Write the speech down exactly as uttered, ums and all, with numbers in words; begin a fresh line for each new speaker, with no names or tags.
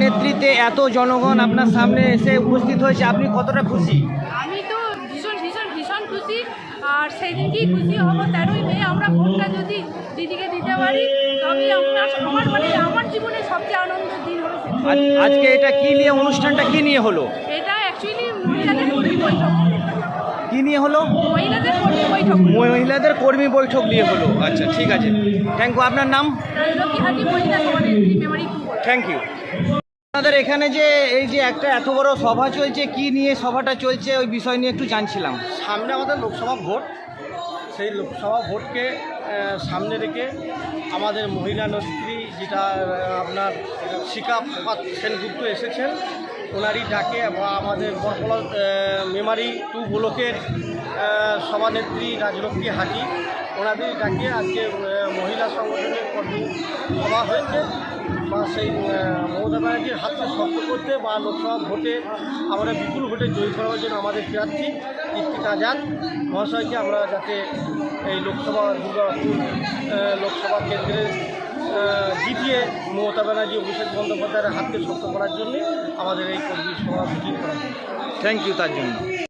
নেতৃত্বে এত জনগণ আপনার সামনে এসে উপস্থিত হয়েছে, আপনি কতটা খুশি?
আমি তো ভীষণ ভীষণ ভীষণ খুশি। আর সেই দিনকেই খুশি হবো তেরোই মে আমরা ভোটটা যদি দিদিকে দিতে পারি, তবে আমরা আমার মানে আমার জীবনে সবচেয়ে আনন্দের দিন হবে সেদিন।
আজ- আজকে এটা কি নিয়ে, অনুষ্ঠানটা কি নিয়ে হলো?
এটা অ্যাকচুয়ালি মহিলাদের কর্মী বৈঠক,
কি নিয়ে হলো?
মহিলাদের কর্মী বৈঠক
মহিলাদের কর্মী বৈঠক নিয়ে হলো। আচ্ছা, ঠিক আছে, থ্যাংক ইউ। আপনার নাম?
লক্ষ্মীহাটি মহিলা সমাজের মেমোরি।
Thank you. আপনাদের এখানে যে এই যে একটা এত বড় সভা চলছে, কি নিয়ে সভাটা চলছে ওই বিষয় নিয়ে একটু জানছিলাম।
সামনে আমাদের লোকসভা ভোট, সেই লোকসভা ভোটকে আহ, সামনে রেখে আমাদের মহিলা নেত্রী যেটা আহ, আপনার শিখা প্রভাত সেনগুপ্ত এসেছেন, ওনারই ডাকে বা আমাদের বরকলা মেমারি টু ব্লকের আহ, সভানেত্রী রাজলক্ষ্মী হাটি, ওনাদের ডাকে আজকে আহ, মহিলা সংগঠনের কর্মী সভা হয়েছে। বা সেই আহ, মমতা ব্যানার্জির হাতকে শক্ত করতে বা লোকসভা ভোটে আমরা বিপুল ভোটে জয়ী করার জন্য আমাদের প্রার্থী কীর্তিকা আজাদ মহাশয়কে আমরা যাতে এই লোকসভা দুর্গাপুর আহ, লোকসভা কেন্দ্রে আহ, জিতিয়ে মমতা ব্যানার্জি অভিষেক বন্দ্যোপাধ্যায়ের হাতকে শক্ত করার জন্যে আমাদের এই কর্মী সভা মিটিং করা হয়।
থ্যাংক ইউ তার জন্য।